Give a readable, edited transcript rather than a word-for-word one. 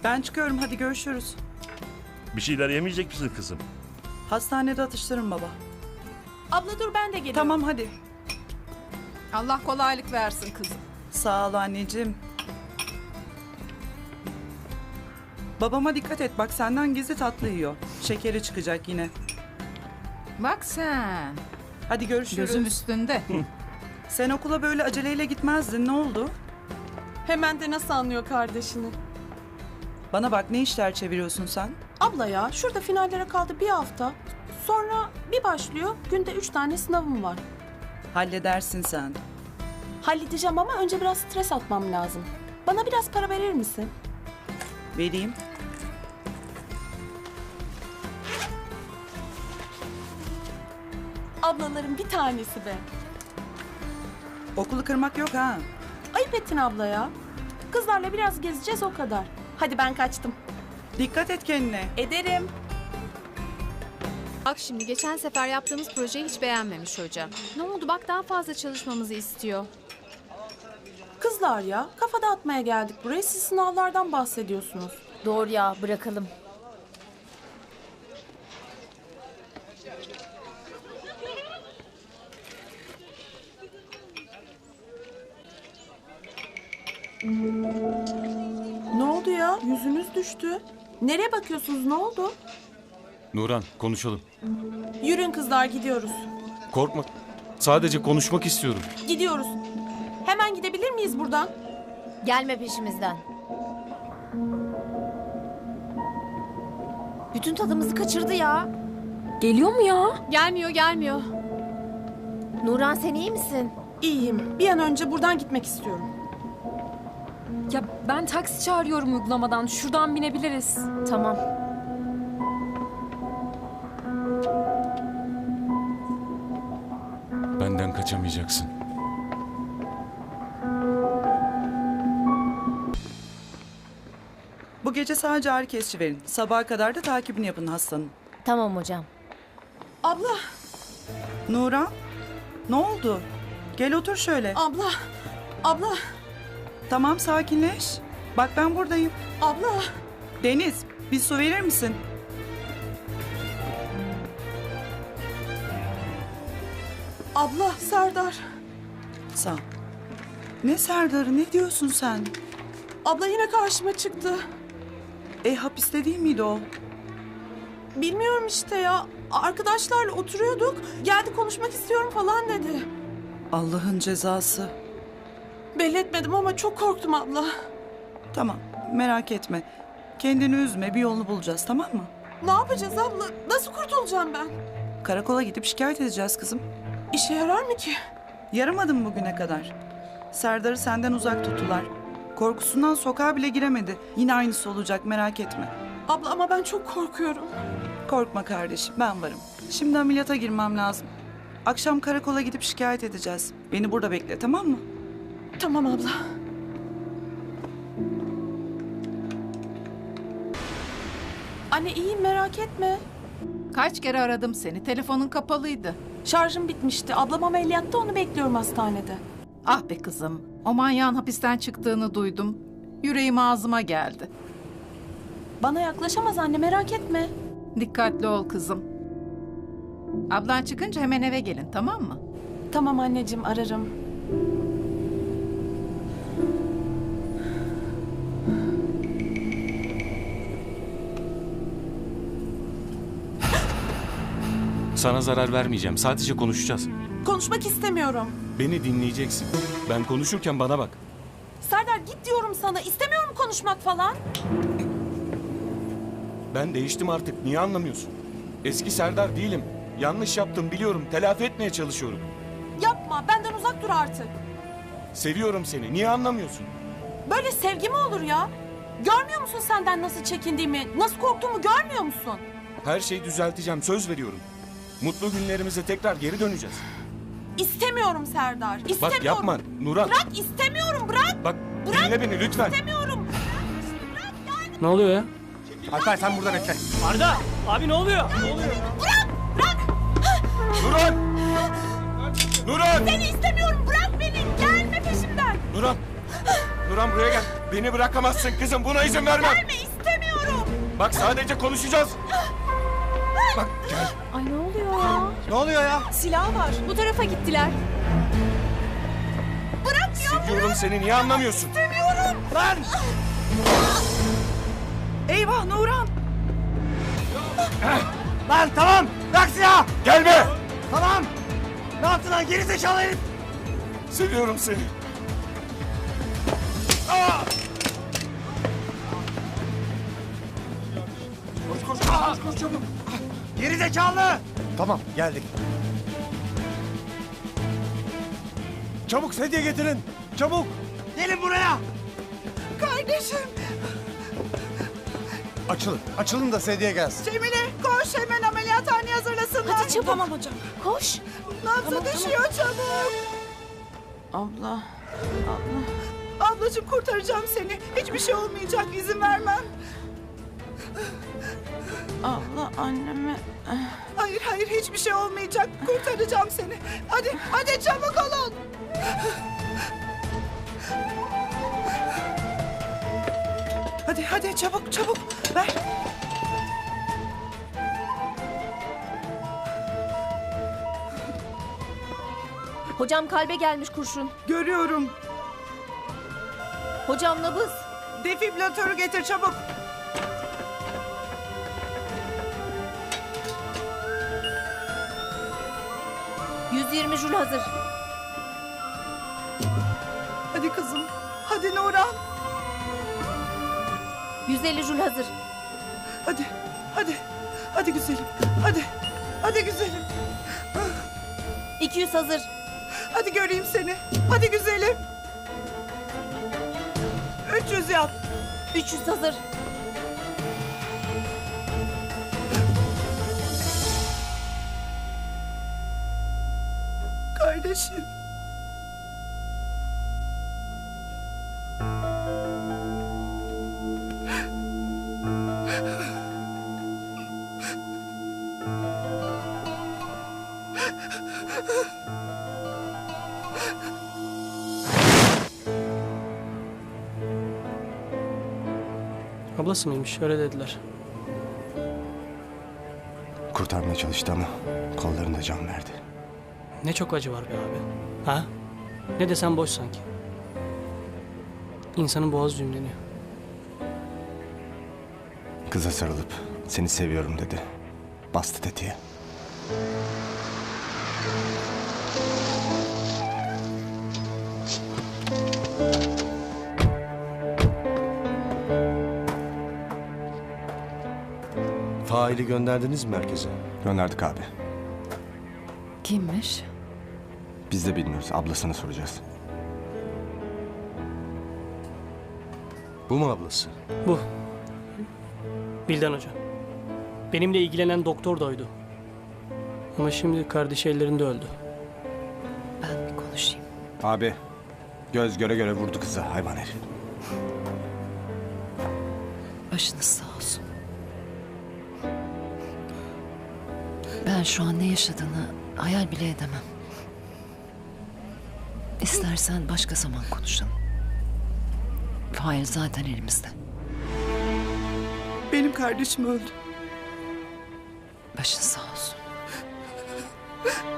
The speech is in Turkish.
Ben çıkıyorum, hadi görüşürüz. Bir şeyler yemeyecek misin kızım? Hastanede atıştırın baba. Abla dur ben de geliyorum. Tamam hadi. Allah kolaylık versin kızım. Sağ ol anneciğim. Babama dikkat et, bak senden gizli tatlı yiyor. Şekeri çıkacak yine. Bak sen. Hadi görüşürüz. Gözüm üstünde. Sen okula böyle aceleyle gitmezdin, ne oldu? Hemen de nasıl anlıyor kardeşini? Bana bak, ne işler çeviriyorsun sen? Abla ya şurada finallere kaldı bir hafta. Sonra bir başlıyor günde 3 tane sınavım var. Halledersin sen. Halledeceğim ama önce biraz stres atmam lazım. Bana biraz para verir misin? Vereyim. Ablaların bir tanesi be. Okulu kırmak yok ha. Ayıp ettin abla ya. Kızlarla biraz gezeceğiz o kadar. Hadi ben kaçtım. Dikkat et kendine. Ederim. Bak şimdi geçen sefer yaptığımız projeyi hiç beğenmemiş hoca. Ne oldu bak daha fazla çalışmamızı istiyor. Kızlar ya kafa dağıtmaya geldik buraya. Siz sınavlardan bahsediyorsunuz. Doğru ya, bırakalım. Ne oldu ya? Yüzünüz düştü. Nereye bakıyorsunuz? Ne oldu? Nuran, konuşalım. Yürüyün kızlar gidiyoruz. Korkma. Sadece konuşmak istiyorum. Gidiyoruz. Hemen gidebilir miyiz buradan? Gelme peşimizden. Bütün tadımızı kaçırdı ya. Geliyor mu ya? Gelmiyor. Nuran sen iyi misin? İyiyim. Bir an önce buradan gitmek istiyorum. Ya ben taksi çağırıyorum uygulamadan. Şuradan binebiliriz. Tamam. Benden kaçamayacaksın. Bu gece sadece ağrı kesici verin. Sabaha kadar da takibini yapın hastanın. Tamam hocam. Abla, Nura, ne oldu? Gel otur şöyle. abla, Tamam, sakinleş. Bak ben buradayım. abla. Deniz, bir su verir misin? Abla, Serdar. Sağ ol. Ne Serdar'ı, ne diyorsun sen? Abla yine karşıma çıktı. Hapiste değil miydi o? Bilmiyorum işte ya. Arkadaşlarla oturuyorduk. Geldi konuşmak istiyorum falan dedi. Allah'ın cezası. Belli etmedim ama çok korktum abla. Tamam, merak etme. Kendini üzme, bir yolunu bulacağız, tamam mı? Ne yapacağız abla? Nasıl kurtulacağım ben? Karakola gidip şikayet edeceğiz kızım. İşe yarar mı ki? Yaramadı mı bugüne kadar? Serdar'ı senden uzak tuttular. Korkusundan sokağa bile giremedi. Yine aynısı olacak, merak etme. Abla ama ben çok korkuyorum. Korkma kardeşim, ben varım. Şimdi ameliyata girmem lazım. Akşam karakola gidip şikayet edeceğiz. Beni burada bekle, tamam mı? Tamam abla. Anne iyiyim merak etme. Kaç kere aradım seni. Telefonun kapalıydı. Şarjım bitmişti. Ablam ameliyatta onu bekliyorum hastanede. Ah be kızım. O manyağın hapisten çıktığını duydum. Yüreğim ağzıma geldi. Bana yaklaşamaz anne merak etme. Dikkatli ol kızım. Ablan çıkınca hemen eve gelin, tamam mı? Tamam anneciğim ararım. Sana zarar vermeyeceğim. Sadece konuşacağız. Konuşmak istemiyorum. Beni dinleyeceksin. Ben konuşurken bana bak. Serdar git diyorum sana. İstemiyorum konuşmak falan. Ben değiştim artık. Niye anlamıyorsun? Eski Serdar değilim. Yanlış yaptım biliyorum. Telafi etmeye çalışıyorum. Yapma benden uzak dur artık. Seviyorum seni. Niye anlamıyorsun? Böyle sevgi mi olur ya? Görmüyor musun senden nasıl çekindiğimi, nasıl korktuğumu görmüyor musun? Her şeyi düzelteceğim. Söz veriyorum. Mutlu günlerimize tekrar geri döneceğiz. İstemiyorum Serdar. İstemiyorum. Bak yapma Nuran. Bırak istemiyorum bırak. Bak dinle beni lütfen. İstemiyorum. Ne oluyor ya? Alper sen burada bekle. Arda! Abi ne oluyor? Nuran! Nuran! Seni istemiyorum bırak beni. Gelme peşimden. Nuran! Nuran buraya gel. Beni bırakamazsın kızım. Buna izin vermem. Gelme istemiyorum. Bak sadece konuşacağız. Bak gel. Ay ne oluyor ya? Ne oluyor ya? Silah var. Bu tarafa gittiler. Seviyorum seni, niye anlamıyorsun? Lan! Eyvah Nuran! Lan tamam! Bırak silahı! Gelme! Tamam! Ne yaptın lan geri zekalı herif? Seviyorum seni. Koş çabuk! Geri zekalı! Tamam geldik. Çabuk sedye getirin! Çabuk! Gelin buraya! Kardeşim! Açılın. Açılın da sedye gelsin. Cemile koş hemen ameliyathaneye hazırlasınlar. Hadi çabuk. Tamam hocam. Koş. Nabzı düşüyor çabuk. Abla. Ablacığım kurtaracağım seni. Hiçbir şey olmayacak, izin vermem. Abla anneme. Hayır hayır hiçbir şey olmayacak. Kurtaracağım seni. Hadi çabuk olun. Hadi çabuk ver. Hocam kalbe gelmiş kurşun. Görüyorum. Hocam nabız. Defibrilatörü getir çabuk. ...120 jül hazır. Hadi kızım. Hadi Nuran. 150 jül hazır. Hadi güzelim. Hadi güzelim. 200 hazır. Hadi göreyim seni. Hadi güzelim. 300 yap. 300 hazır. Kardeşim. Ablası mıymış? Öyle dediler. Kurtarmaya çalıştı ama kollarında can verdi. Ne çok acı var be abi. Ha? Ne desem boş sanki. İnsanın boğazı düğümleniyor. Kıza sarılıp seni seviyorum dedi. Bastı tetiğe. Faili gönderdiniz mi merkeze? Gönderdik abi. Kimmiş? Biz de bilmiyoruz. Ablasına soracağız. Bu mu ablası? Bu. Bildan Hoca. Benimle ilgilenen doktor da oydu. Ama şimdi kardeşi ellerinde öldü. Ben bir konuşayım. Abi göz göre göre vurdu kıza hayvan herif. Başınız sağ olsun. Ben şu an ne yaşadığını hayal bile edemem. İstersen başka zaman konuşalım. Fail zaten elimizde. Benim kardeşim öldü. Başın sağ olsun.